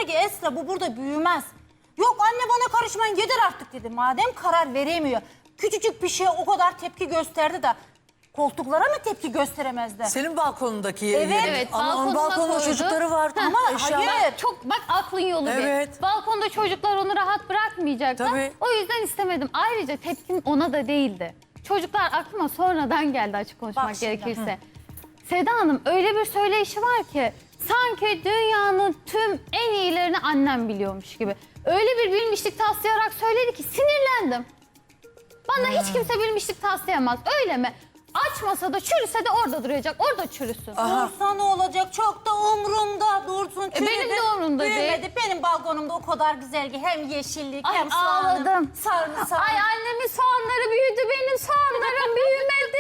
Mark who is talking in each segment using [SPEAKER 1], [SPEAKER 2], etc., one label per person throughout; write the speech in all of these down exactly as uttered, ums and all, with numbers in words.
[SPEAKER 1] dedi ki Esra bu burada büyümez. Yok anne bana karışmayın yeter artık dedi. Madem karar veremiyor. Küçücük bir şeye o kadar tepki gösterdi de koltuklara mı tepki gösteremezdi?
[SPEAKER 2] Senin balkonundaki
[SPEAKER 1] Evet.
[SPEAKER 2] yeri.
[SPEAKER 3] Evet,
[SPEAKER 2] Ama onun
[SPEAKER 3] balkonuna
[SPEAKER 2] balkonunda
[SPEAKER 3] koydu.
[SPEAKER 2] çocukları var. Ama eşya.
[SPEAKER 1] hayır.
[SPEAKER 3] Çok bak aklın yolu
[SPEAKER 2] Evet.
[SPEAKER 3] bir. Balkonda çocuklar onu rahat bırakmayacaklar.
[SPEAKER 2] Tabii.
[SPEAKER 3] O yüzden istemedim. Ayrıca tepkim ona da değildi. Çocuklar aklıma sonradan geldi açık konuşmak
[SPEAKER 1] Bak şimdi,
[SPEAKER 3] gerekirse. Seda Hanım öyle bir söyleyişi var ki sanki dünyanın tüm en iyilerini annem biliyormuş gibi. Öyle bir bilmişlik taslayarak söyledi ki sinirlendim. Bana hiç kimse bilmişlik taslayamaz. Öyle mi? Açmasa da çürüse de orada duracak. Orada çürüsün.
[SPEAKER 1] Dursa ne olacak? Çok da umrumda dursun. Çürüdü,
[SPEAKER 3] benim de umurumda değil.
[SPEAKER 1] büyümedi. Benim balkonumda o kadar güzel ki hem yeşillik
[SPEAKER 3] Ay,
[SPEAKER 1] hem soğanım.
[SPEAKER 3] ağladım.
[SPEAKER 1] Sarımsak.
[SPEAKER 3] Ay annemin soğanları büyüdü, benim soğanlarım büyümedi.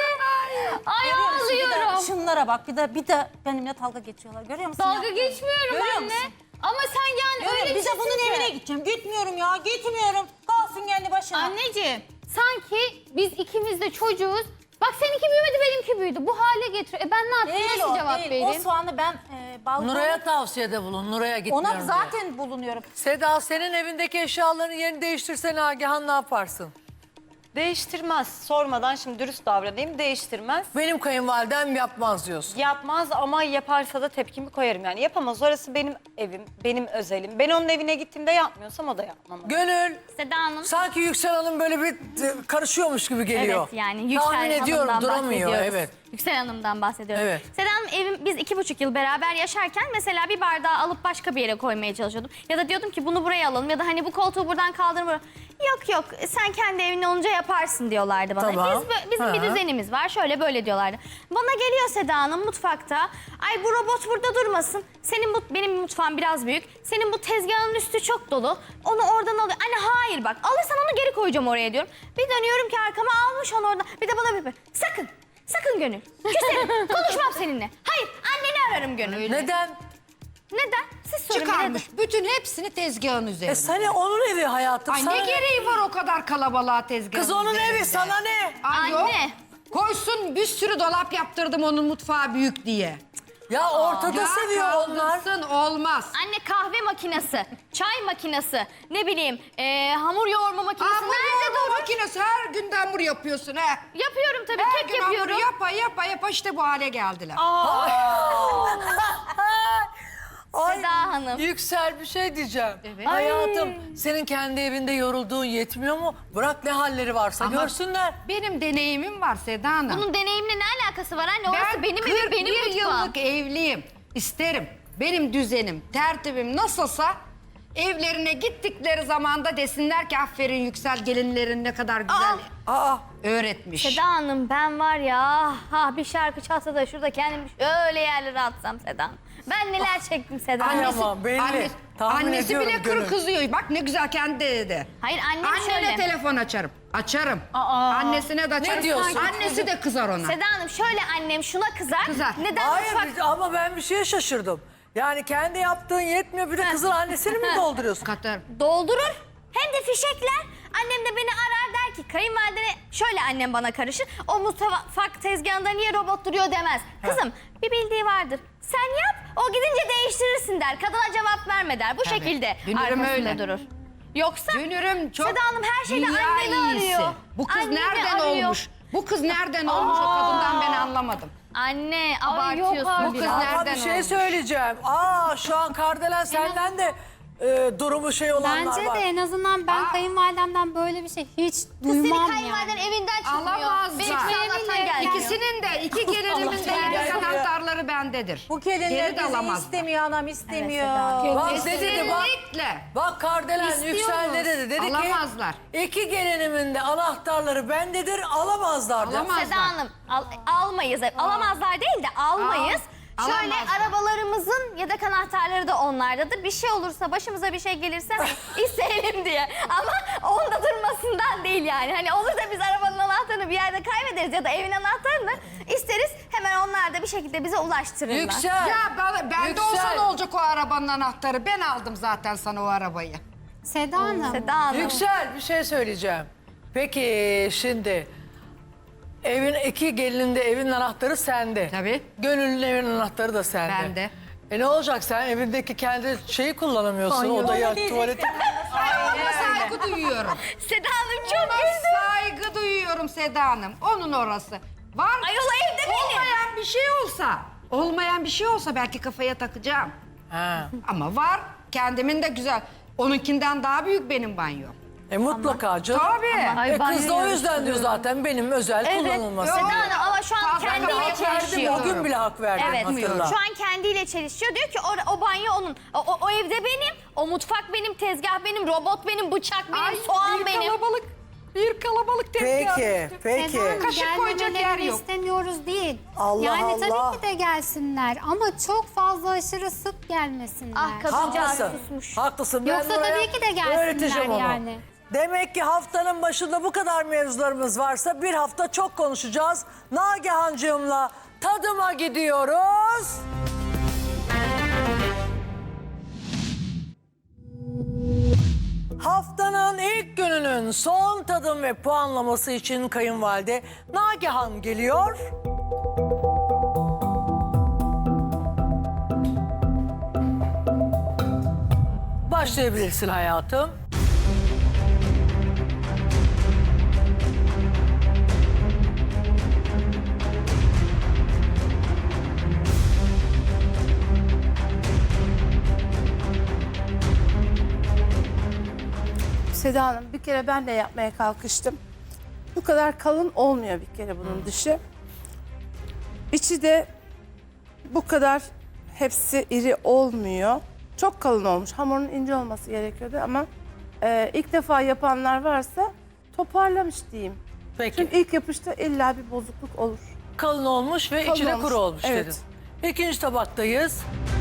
[SPEAKER 3] Ay
[SPEAKER 1] Görüyor musun? Bir de
[SPEAKER 3] ağlıyorum.
[SPEAKER 1] şunlara bak bir de bir de benimle dalga geçiyorlar. Görüyor musun?
[SPEAKER 3] Dalga
[SPEAKER 1] ya?
[SPEAKER 3] geçmiyorum
[SPEAKER 1] Görüyor
[SPEAKER 3] anne.
[SPEAKER 1] musun?
[SPEAKER 3] Ama sen yani
[SPEAKER 1] Görüyor
[SPEAKER 3] öyle
[SPEAKER 1] musun? Bir de bunun
[SPEAKER 3] çizsin ki.
[SPEAKER 1] evine gideceğim. Gitmiyorum ya gitmiyorum. Kalsın kendi başına.
[SPEAKER 3] Anneciğim sanki biz ikimiz de çocuğuz. Bak seninki büyümedi, benimki büyüdü. Bu hale getiriyor. E ben ne yapayım?
[SPEAKER 1] Değil
[SPEAKER 3] Nasıl
[SPEAKER 1] o
[SPEAKER 3] cevap
[SPEAKER 1] değil.
[SPEAKER 3] vereyim?
[SPEAKER 1] O soğanı ben e, balkona...
[SPEAKER 2] Nuray'a tavsiyede bulun. Nuray'a gitmiyorum
[SPEAKER 1] Ona
[SPEAKER 2] diye.
[SPEAKER 1] zaten bulunuyorum.
[SPEAKER 2] Seda senin evindeki eşyaların yerini değiştirsen Agihan ne yaparsın?
[SPEAKER 4] Değiştirmez. Sormadan şimdi dürüst davranayım. Değiştirmez.
[SPEAKER 2] Benim kayınvalidem yapmaz diyorsun.
[SPEAKER 4] Yapmaz ama yaparsa da tepkimi koyarım yani. Yapamaz. Orası benim evim, benim özelim. Ben onun evine gittiğimde yapmıyorsam o da yapmam.
[SPEAKER 2] Gönül,
[SPEAKER 3] Seda Hanım.
[SPEAKER 2] sanki Yüksel Hanım böyle bir e, karışıyormuş gibi geliyor.
[SPEAKER 5] Evet yani Yüksel
[SPEAKER 2] Tahmin ediyorum
[SPEAKER 5] Hanım'dan
[SPEAKER 2] duramıyor.
[SPEAKER 5] bahsediyoruz.
[SPEAKER 2] Evet.
[SPEAKER 5] Yüksel Hanım'dan bahsediyoruz.
[SPEAKER 2] Evet.
[SPEAKER 5] Seda Hanım evim, biz iki buçuk yıl beraber yaşarken mesela bir bardağı alıp başka bir yere koymaya çalışıyordum. Ya da diyordum ki bunu buraya alalım ya da hani bu koltuğu buradan kaldırın buraya. Yok yok sen kendi evin olunca yaparsın diyorlardı bana.
[SPEAKER 2] Tamam.
[SPEAKER 5] Biz, bö- bizim
[SPEAKER 2] Ha.
[SPEAKER 5] bir düzenimiz var şöyle böyle diyorlardı. Bana geliyor Seda Hanım mutfakta. Ay bu robot burada durmasın. Senin bu benim mutfağım biraz büyük. Senin bu tezgahın üstü çok dolu. Onu oradan alıyor. Anne hayır bak alırsan onu geri koyacağım oraya diyorum. Bir dönüyorum ki arkama almış onu oradan. Bir de bana bir sakın. Sakın Gönül. Küserim. Konuşmam seninle. Hayır anneni ararım Gönül.
[SPEAKER 2] Neden?
[SPEAKER 5] Neden? Siz sorun.
[SPEAKER 6] Çıkarmış. Bütün hepsini tezgahın üzerine.
[SPEAKER 2] E seni onun evi hayatım.
[SPEAKER 6] Ay
[SPEAKER 2] sana
[SPEAKER 6] ne gereği var o kadar kalabalığa tezgahın
[SPEAKER 2] Kız onun
[SPEAKER 6] üzerinde?
[SPEAKER 2] evi sana ne?
[SPEAKER 6] Ay yok.
[SPEAKER 5] Anne.
[SPEAKER 6] Koysun bir sürü dolap yaptırdım onun mutfağı büyük diye.
[SPEAKER 2] Ya ortada
[SPEAKER 6] Ya
[SPEAKER 2] seviyor onlar.
[SPEAKER 6] kaldırsın, olmaz.
[SPEAKER 5] Anne kahve makinesi, çay makinesi, ne bileyim e, hamur yoğurma makinesi
[SPEAKER 6] Hamur
[SPEAKER 5] nerede
[SPEAKER 6] yoğurma
[SPEAKER 5] durur?
[SPEAKER 6] makinesi her gün de hamur yapıyorsun he.
[SPEAKER 5] Yapıyorum tabii,
[SPEAKER 6] Her
[SPEAKER 5] kek
[SPEAKER 6] gün
[SPEAKER 5] yapıyorum.
[SPEAKER 6] hamur yapa yapa yapa işte bu hale geldiler.
[SPEAKER 2] Ay,
[SPEAKER 5] Seda Hanım.
[SPEAKER 2] Yüksel bir şey diyeceğim.
[SPEAKER 6] Evet.
[SPEAKER 2] Hayatım senin kendi evinde yorulduğun yetmiyor mu? Bırak ne halleri varsa
[SPEAKER 6] Ama
[SPEAKER 2] görsünler.
[SPEAKER 6] Benim deneyimim var Seda Hanım.
[SPEAKER 5] Bunun deneyimle ne alakası var anne? Orası
[SPEAKER 6] Ben
[SPEAKER 5] benim evim, benim
[SPEAKER 6] kırk bir
[SPEAKER 5] mutfağım.
[SPEAKER 6] yıllık evliyim. İsterim. Benim düzenim, tertibim nasılsa evlerine gittikleri zamanda desinler ki aferin Yüksel gelinlerin ne kadar güzel
[SPEAKER 2] Aa,
[SPEAKER 6] öğretmiş.
[SPEAKER 5] Seda Hanım ben var ya, ha bir şarkı çalsa da şurada kendimi şöyle yerlere atsam Seda Hanım. Ben neler çektim Seda Hanım.
[SPEAKER 2] Ay ama belli.
[SPEAKER 6] Anne-
[SPEAKER 2] Tahmin
[SPEAKER 6] annesi
[SPEAKER 2] ediyorum
[SPEAKER 6] bile kır
[SPEAKER 2] Gönül.
[SPEAKER 6] kızıyor. Bak ne güzel kendi dedi.
[SPEAKER 5] Hayır annem
[SPEAKER 6] Annene
[SPEAKER 5] şöyle.
[SPEAKER 6] telefon açarım. Açarım. Annesine de açarım.
[SPEAKER 2] diyorsun?
[SPEAKER 6] Annesi de kızar ona.
[SPEAKER 5] Seda Hanım şöyle annem şuna kızar.
[SPEAKER 6] Kızar.
[SPEAKER 5] Neden
[SPEAKER 2] Hayır
[SPEAKER 5] mutfak...
[SPEAKER 2] ama ben bir şeye şaşırdım. Yani kendi yaptığın yetmiyor bir de kızın annesini mi dolduruyorsun?
[SPEAKER 6] Katarım.
[SPEAKER 5] Doldurur. Hem de fişekler. Annem de beni arar der ki kayınvalidene şöyle annem bana karışır. O mutfak tezgahında niye robot duruyor demez. Kızım bir bildiği vardır. Sen yap o gidince değiştirirsin der. Kadına cevap verme der. Bu
[SPEAKER 6] Tabii.
[SPEAKER 5] şekilde
[SPEAKER 6] Dünürüm
[SPEAKER 5] arkasında
[SPEAKER 6] öyle.
[SPEAKER 5] durur. Yoksa
[SPEAKER 6] Dönürüm çok
[SPEAKER 5] Seda Hanım her şeyde
[SPEAKER 6] dünya
[SPEAKER 5] anneni
[SPEAKER 6] iyisi.
[SPEAKER 5] arıyor.
[SPEAKER 6] Bu kız
[SPEAKER 5] Anneni
[SPEAKER 6] nereden
[SPEAKER 5] arıyor.
[SPEAKER 6] olmuş? Bu kız nereden olmuş o kadından ben anlamadım.
[SPEAKER 5] Anne
[SPEAKER 3] yok
[SPEAKER 5] abartıyorsun
[SPEAKER 3] artık.
[SPEAKER 6] Bu kız
[SPEAKER 5] biraz.
[SPEAKER 2] Ama
[SPEAKER 6] nereden
[SPEAKER 2] bir şey
[SPEAKER 6] olmuş?
[SPEAKER 2] söyleyeceğim. Aa şu an Kardelen senden de e, durumu şey olanlar
[SPEAKER 7] Bence
[SPEAKER 2] var.
[SPEAKER 7] de en azından ben
[SPEAKER 6] Aa.
[SPEAKER 7] kayınvalidemden böyle bir şey hiç
[SPEAKER 5] Kız seni
[SPEAKER 7] duymam
[SPEAKER 5] kayınvaliden
[SPEAKER 7] yani.
[SPEAKER 5] evinden çıkmıyor.
[SPEAKER 6] Alamazlar.
[SPEAKER 5] Benim Allah'tan gelmiyor.
[SPEAKER 6] İkisinin de iki gelinimin de yedek anahtarları bendedir.
[SPEAKER 1] Bu
[SPEAKER 6] Geri
[SPEAKER 1] gelinler
[SPEAKER 6] de
[SPEAKER 1] bizi
[SPEAKER 6] alamazlar.
[SPEAKER 1] istemiyor anam istemiyor.
[SPEAKER 2] Bak ne dedi bak.
[SPEAKER 6] Kesinlikle.
[SPEAKER 2] Bak Kardelen Yüksel ne dedi? Dedi
[SPEAKER 6] Alamazlar.
[SPEAKER 2] ki iki gelinimin de anahtarları bendedir alamazlar dedi.
[SPEAKER 6] Alamaz.
[SPEAKER 5] Seda Hanım al- almayız. Alamazlar değil de almayız.
[SPEAKER 6] Al-
[SPEAKER 5] Şöyle
[SPEAKER 6] alamazlar.
[SPEAKER 5] arabalarımızın yedek anahtarları da onlardadır. Bir şey olursa başımıza bir şey gelirse isteyelim diye. Ama onda durmasından değil yani. Hani olur da biz arabanın anahtarını bir yerde kaybederiz ya da evin anahtarını isteriz. Hemen onlar da bir şekilde bize ulaştırırlar.
[SPEAKER 2] Yüksel.
[SPEAKER 6] Ya ben, bende
[SPEAKER 2] Yüksel.
[SPEAKER 6] olsa ne olacak o arabanın anahtarı? Ben aldım zaten sana o arabayı.
[SPEAKER 7] Seda Hanım.
[SPEAKER 5] Seda Hanım.
[SPEAKER 2] Yüksel bir şey söyleyeceğim. Peki şimdi evin iki gelinin de evin anahtarı sende.
[SPEAKER 6] Tabii.
[SPEAKER 2] Gönül'ün evin anahtarı da sende.
[SPEAKER 6] Bende.
[SPEAKER 2] E ne olacak, sen evindeki kendi şeyi kullanamıyorsun, odayı, tuvaleti.
[SPEAKER 6] Ona saygı duyuyorum.
[SPEAKER 5] Seda Hanım çok
[SPEAKER 6] Ona
[SPEAKER 5] güldü.
[SPEAKER 6] saygı duyuyorum Seda Hanım. Onun orası. Var.
[SPEAKER 5] Ayol evde benim.
[SPEAKER 6] Olmayan bir şey olsa, olmayan bir şey olsa belki kafaya takacağım.
[SPEAKER 2] Ha.
[SPEAKER 6] Ama var. Kendimin de güzel. Onunkinden daha büyük benim banyo.
[SPEAKER 2] E mutlaka canım.
[SPEAKER 6] Tabii.
[SPEAKER 3] Ay,
[SPEAKER 2] E
[SPEAKER 3] banyo
[SPEAKER 2] kız da o yüzden
[SPEAKER 3] yarıştırıyorum.
[SPEAKER 2] diyor zaten benim özel kullanılması.
[SPEAKER 5] Seda Hanım ama şu an
[SPEAKER 6] Fazla
[SPEAKER 5] kendiyle
[SPEAKER 6] hak verdim,
[SPEAKER 5] çelişiyor.
[SPEAKER 2] Bugün bile hak verdim,
[SPEAKER 5] Evet,
[SPEAKER 2] hatırla.
[SPEAKER 5] şu an kendiyle çelişiyor. Diyor ki o, o banyo onun. O, o, o evde benim, o mutfak benim, tezgah benim, robot benim, bıçak benim,
[SPEAKER 6] Ay,
[SPEAKER 5] soğan
[SPEAKER 6] bir
[SPEAKER 5] benim.
[SPEAKER 6] kalabalık, bir kalabalık tezgah.
[SPEAKER 2] Peki, peki.
[SPEAKER 7] Seda Hanım,
[SPEAKER 6] Kaşık koyacak yer
[SPEAKER 7] gelmelerini
[SPEAKER 6] yok.
[SPEAKER 7] istemiyoruz değil.
[SPEAKER 2] Allah
[SPEAKER 7] yani
[SPEAKER 2] Allah.
[SPEAKER 7] tabii ki de gelsinler ama çok fazla aşırı sık gelmesinler.
[SPEAKER 5] Ah kadıncağız
[SPEAKER 2] Haklısın.
[SPEAKER 5] susmuş.
[SPEAKER 2] Haklısın. Ben
[SPEAKER 7] Yoksa
[SPEAKER 2] buraya
[SPEAKER 7] tabii ki de gelsinler
[SPEAKER 2] öğreteceğim onu.
[SPEAKER 7] yani.
[SPEAKER 2] Demek ki haftanın başında bu kadar mevzularımız varsa bir hafta çok konuşacağız. Nagihancığımla tadıma gidiyoruz. Haftanın ilk gününün son tadım ve puanlaması için kayınvalide Nagihan geliyor. Başlayabilirsin hayatım.
[SPEAKER 8] Seda Hanım bir kere ben de yapmaya kalkıştım. Bu kadar kalın olmuyor bir kere bunun dışı. İçi de bu kadar hepsi iri olmuyor. Çok kalın olmuş. Hamurun ince olması gerekiyordu ama e, ilk defa yapanlar varsa toparlamış diyeyim.
[SPEAKER 2] Peki.
[SPEAKER 8] Çünkü ilk yapışta illa bir bozukluk olur.
[SPEAKER 2] Kalın olmuş ve
[SPEAKER 8] Kalın
[SPEAKER 2] içine
[SPEAKER 8] olmuş.
[SPEAKER 2] kuru olmuş
[SPEAKER 8] Evet.
[SPEAKER 2] dedin. İkinci tabaktayız.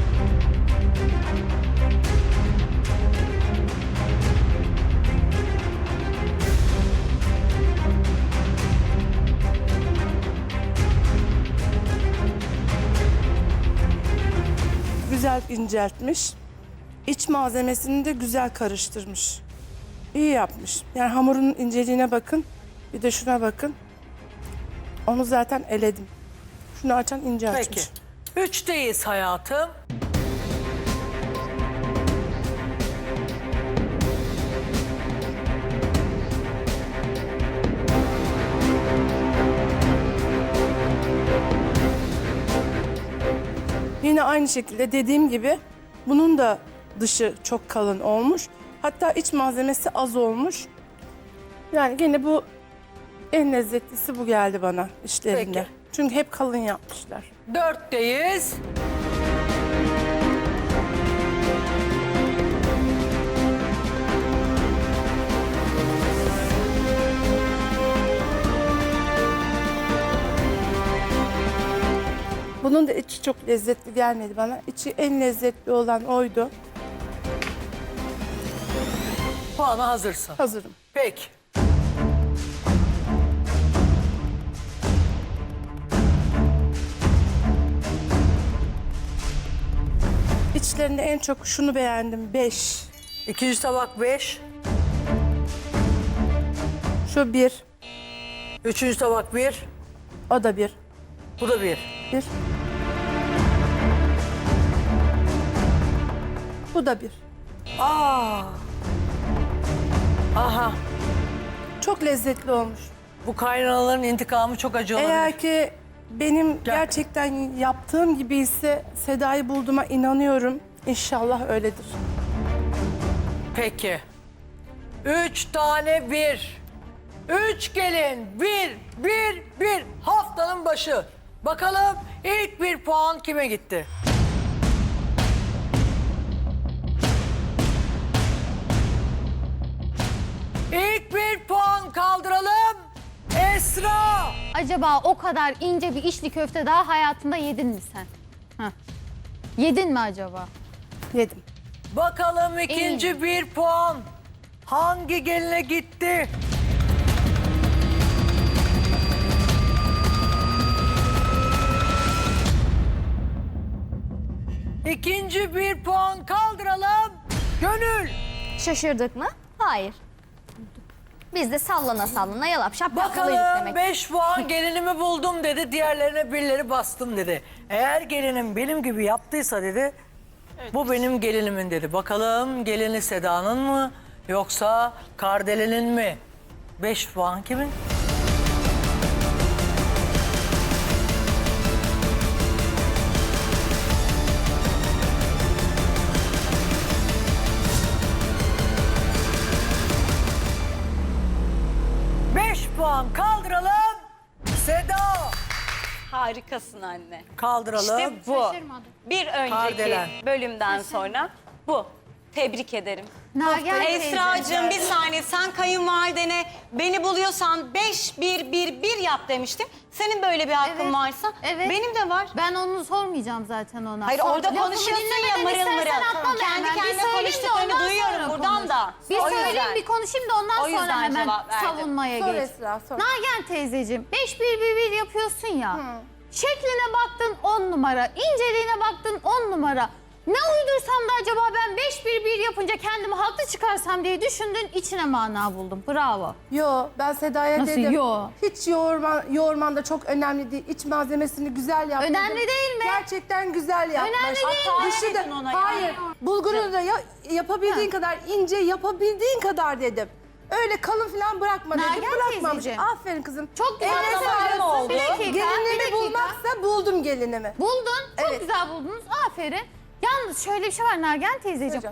[SPEAKER 8] Güzel inceltmiş. İç malzemesini de güzel karıştırmış. İyi yapmış. Yani hamurun inceliğine bakın. Bir de şuna bakın. Onu zaten eledim. Şunu açan ince açmış.
[SPEAKER 2] Peki. Üçteyiz hayatım.
[SPEAKER 8] Yine aynı şekilde dediğim gibi bunun da dışı çok kalın olmuş. Hatta iç malzemesi az olmuş. Yani gene bu en lezzetlisi bu geldi bana işlerinde.
[SPEAKER 2] Peki.
[SPEAKER 8] Çünkü hep kalın yapmışlar.
[SPEAKER 2] Dörtteyiz.
[SPEAKER 8] Bunun da içi çok lezzetli gelmedi bana. İçi en lezzetli olan oydu.
[SPEAKER 2] Puana hazırsın.
[SPEAKER 8] Hazırım.
[SPEAKER 2] Peki.
[SPEAKER 8] İçlerinde en çok şunu beğendim. Beş.
[SPEAKER 2] İkinci tabak beş.
[SPEAKER 8] Şu bir.
[SPEAKER 2] Üçüncü tabak bir.
[SPEAKER 8] O da bir.
[SPEAKER 2] Bu da bir.
[SPEAKER 8] Bir. Bu da bir.
[SPEAKER 2] Aa. Aha.
[SPEAKER 8] Çok lezzetli olmuş.
[SPEAKER 2] Bu kaynanaların intikamı çok acı olabilir.
[SPEAKER 8] Eğer ki benim gerçekten yaptığım gibi ise Seda'yı bulduğuma inanıyorum. İnşallah öyledir.
[SPEAKER 2] Peki. Üç tane bir. Üç gelin. Bir, bir, bir. Haftanın başı. Bakalım ilk bir puan kime gitti? İlk bir puan kaldıralım. Esra.
[SPEAKER 3] Acaba o kadar ince bir içli köfte daha hayatında yedin mi sen? Heh. Yedin mi acaba?
[SPEAKER 8] Yedim.
[SPEAKER 2] Bakalım ikinci bir puan hangi geline gitti? İkinci bir puan kaldıralım. Gönül.
[SPEAKER 5] Şaşırdık mı? Hayır. Biz de sallana sallana yalap şap yapmalıydık
[SPEAKER 2] Bakalım
[SPEAKER 5] demek.
[SPEAKER 2] beş puan gelinimi buldum dedi. Diğerlerine birileri bastım dedi. Eğer gelinim benim gibi yaptıysa dedi. Bu benim gelinimin dedi. Bakalım gelini Seda'nın mı yoksa Kardele'nin mi? beş puan kimin? Beş puan kaldıralım. Seda.
[SPEAKER 4] Harikasın anne.
[SPEAKER 2] Kaldıralım.
[SPEAKER 4] İşte bu. Bir önceki
[SPEAKER 2] Kardelen.
[SPEAKER 4] bölümden sonra bu. Tebrik ederim.
[SPEAKER 3] Nagihan
[SPEAKER 4] Esra'cığım bir saniye, sen kayınvalidene beni buluyorsan beş bir bir bir yap demiştim. Senin böyle bir hakkın
[SPEAKER 3] Evet,
[SPEAKER 4] varsa
[SPEAKER 3] evet.
[SPEAKER 4] benim de var.
[SPEAKER 3] Ben onu sormayacağım zaten ona.
[SPEAKER 4] Hayır,
[SPEAKER 3] Sor-
[SPEAKER 4] orada
[SPEAKER 3] Lafımı
[SPEAKER 4] konuşuyorsun ya
[SPEAKER 3] dinlemeden
[SPEAKER 4] mırıl mırıl.
[SPEAKER 3] istersen atlama
[SPEAKER 4] Kendi
[SPEAKER 3] hemen. Bir
[SPEAKER 4] kendine
[SPEAKER 3] söyleyeyim de
[SPEAKER 4] konuştuklarını
[SPEAKER 3] ondan
[SPEAKER 4] duyuyorum
[SPEAKER 3] sonra
[SPEAKER 4] buradan
[SPEAKER 3] konuş.
[SPEAKER 4] da.
[SPEAKER 3] Bir
[SPEAKER 4] O
[SPEAKER 3] söyleyeyim,
[SPEAKER 4] yüzden.
[SPEAKER 3] bir konuşayım da ondan
[SPEAKER 4] O yüzden
[SPEAKER 3] sonra hemen
[SPEAKER 4] cevap verdim.
[SPEAKER 3] savunmaya
[SPEAKER 8] Sor
[SPEAKER 3] geç.
[SPEAKER 8] Esra, sor.
[SPEAKER 3] Nagihan teyzeciğim, beş bir bir bir yapıyorsun ya. Şekline baktın on numara, inceliğine baktın on numara. Ne uydursam da acaba ben beş bir bir yapınca kendimi haklı çıkarsam diye düşündün, içine mana buldum. Bravo.
[SPEAKER 8] Yo, ben Seda'ya
[SPEAKER 3] Nasıl
[SPEAKER 8] dedim.
[SPEAKER 3] yo?
[SPEAKER 8] Hiç yoğurman, yoğurman da çok önemli değil. İç malzemesini güzel yap.
[SPEAKER 3] Önemli
[SPEAKER 8] dedim.
[SPEAKER 3] değil mi?
[SPEAKER 8] Gerçekten güzel yapmış.
[SPEAKER 3] Önemli değil mi?
[SPEAKER 8] Dışı da-
[SPEAKER 1] Dedin ona ya.
[SPEAKER 8] hayır. Bulgurunu da ya- yapabildiğin kadar ince, yapabildiğin kadar dedim. Öyle kalın falan bırakma dedim.
[SPEAKER 3] Nagihan
[SPEAKER 8] Bırakmamış.
[SPEAKER 3] teyzeciğim.
[SPEAKER 8] Aferin kızım.
[SPEAKER 3] Çok güzel
[SPEAKER 8] Eline
[SPEAKER 3] söylüyorsun.
[SPEAKER 8] sağlık.
[SPEAKER 3] Bir dakika, bir
[SPEAKER 8] Gelinimi
[SPEAKER 3] dakika.
[SPEAKER 8] bulmaksa buldum gelinimi.
[SPEAKER 3] Buldun, çok
[SPEAKER 8] Evet.
[SPEAKER 3] güzel buldunuz. Aferin. Yalnız şöyle bir şey var Nagihan teyzeciğim.
[SPEAKER 8] Hocam.